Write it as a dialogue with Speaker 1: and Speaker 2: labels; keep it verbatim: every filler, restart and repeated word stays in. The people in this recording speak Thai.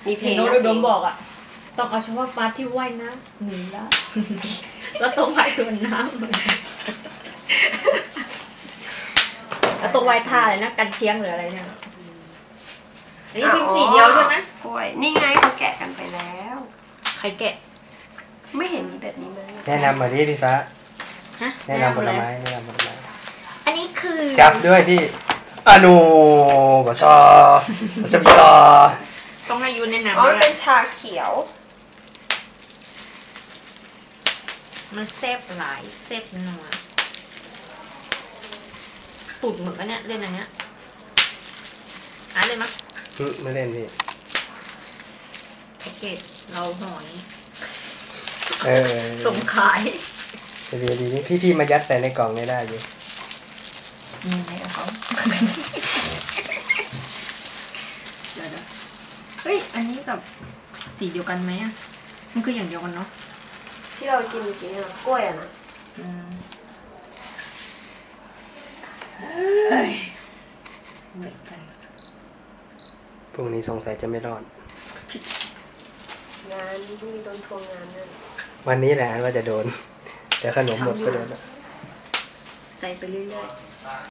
Speaker 1: มีเพลง
Speaker 2: โน้ตอุดมบอกอ่ะต้องเอาเฉพาะปลาที่ว่ายน้ำหนีละแล้วต้องว่ายโดนน้ำแล้วต้องว่ายท่าเลยนะกันเชียงหรืออะไรเนี่ยอันนี้พิมพ์สีเดียวใช่ไหม
Speaker 1: กล้วยนี่ไงเขาแกะกันไปแล้ว
Speaker 2: ใครแกะ
Speaker 1: ไม่เห็นมีแบบนี้เลย
Speaker 3: แนะนำมาดิพี่ฟ้า
Speaker 2: ฮะ
Speaker 3: แนะนำผลไม้แนะนำผลไม้
Speaker 2: อันนี้คือ
Speaker 3: จับด้วยพี่อนูบชบชบช
Speaker 2: ต้องให้ยูแนะนำ
Speaker 1: อ๋อมันเป็นชาเขียว
Speaker 2: มันเซฟหลายเซฟนัวตุ่นเหมือนกันเนี่ยเล่นอันเนี้ยอ่านเลยมั้ย
Speaker 3: ไม่เล่นพี่
Speaker 2: แพ็กเกจเราห่อนี้
Speaker 3: เออ
Speaker 2: ส่งขาย
Speaker 3: จะดีดีนี่พี่พี่มายัดใส่ในกล่องไม่ได้อยู่
Speaker 2: ยังไงเอาเขาเดี๋ยวเฮ้ยอันนี้กับสีเดียวกันไหมอ่ะมันคืออย่างเดียวกันเนาะ
Speaker 1: ที่เรากินจริงๆอะกล้วยอะนะ
Speaker 2: อืมเฮ้ยเหมือนกัน
Speaker 3: พรุ่งนี้สงสัยจะไม่รอด
Speaker 1: งานพรุ่งนี้โดนทวงงานนั่น
Speaker 3: วันนี้แหละว่าจะโดนแต่ขนมหมดก็โดน
Speaker 2: ใส่ไปเรื่อยๆ